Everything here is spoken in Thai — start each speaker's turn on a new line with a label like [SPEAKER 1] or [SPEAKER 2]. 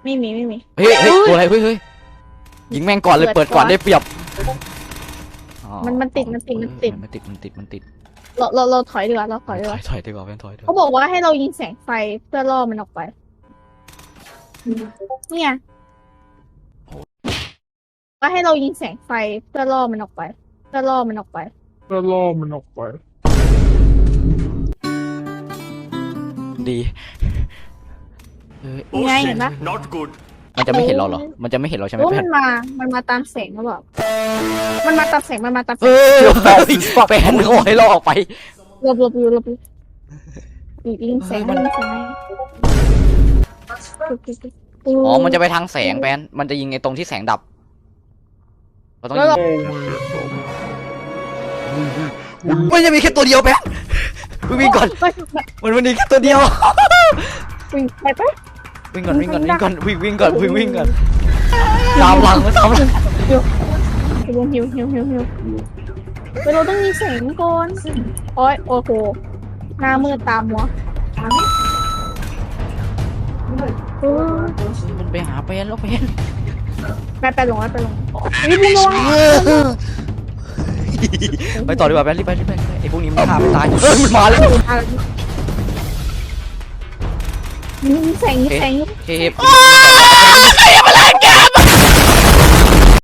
[SPEAKER 1] ไม่มี
[SPEAKER 2] เฮ้ยตัวอะไรเฮ้ยยิงแม่งก่อนเลยเปิดก่อนได้เปรียบ
[SPEAKER 1] มันติด เราถอยดีกว่า
[SPEAKER 2] ถอยดีกว่าแม่งถอย
[SPEAKER 1] เขาบอกว่าให้เรายิงแสงไฟเพื่อล่อมันออกไปเนี่ยว่าให้เรายิงแสงไฟเพื่อล่อมันออกไป
[SPEAKER 2] ดี
[SPEAKER 1] ไงเห็นปะ
[SPEAKER 3] not good
[SPEAKER 2] มันจะไม่เห็นเราเหรอมันจะไม่เห็นเราใช่ไหม
[SPEAKER 1] โอ้
[SPEAKER 2] แพ
[SPEAKER 1] มัน นมาตามแสงหรือเปล่ามันมาตามแสง
[SPEAKER 2] แฟนโอ้ให้เราออกไป
[SPEAKER 1] หลบยิงแสง
[SPEAKER 2] อ๋อมันจะไปทางแสงแฟนมันจะยิงไอ้ตรงที่แสงดับเราต้องยิงมันจะมีแค่ตัวเดียวแฟนวิ่งก่อนมันมีแค่ตัวเดียว
[SPEAKER 1] วิ่งไปปะ
[SPEAKER 2] วิ่งก่อนวิ่งก่อนตามหลัง
[SPEAKER 1] หิวเราต้องมีแสงก่อนโอ้โหหน้ามืดตามัว
[SPEAKER 2] มันไปหาเป็นแล้ว
[SPEAKER 1] ไปลงรีบลง
[SPEAKER 2] ไปต่อดีกว่าแฟนรีบไปไอ้พวกนี้มันฆ่าไม่ตายมันมาแล้ว
[SPEAKER 1] มีแสง
[SPEAKER 2] เฮ้ย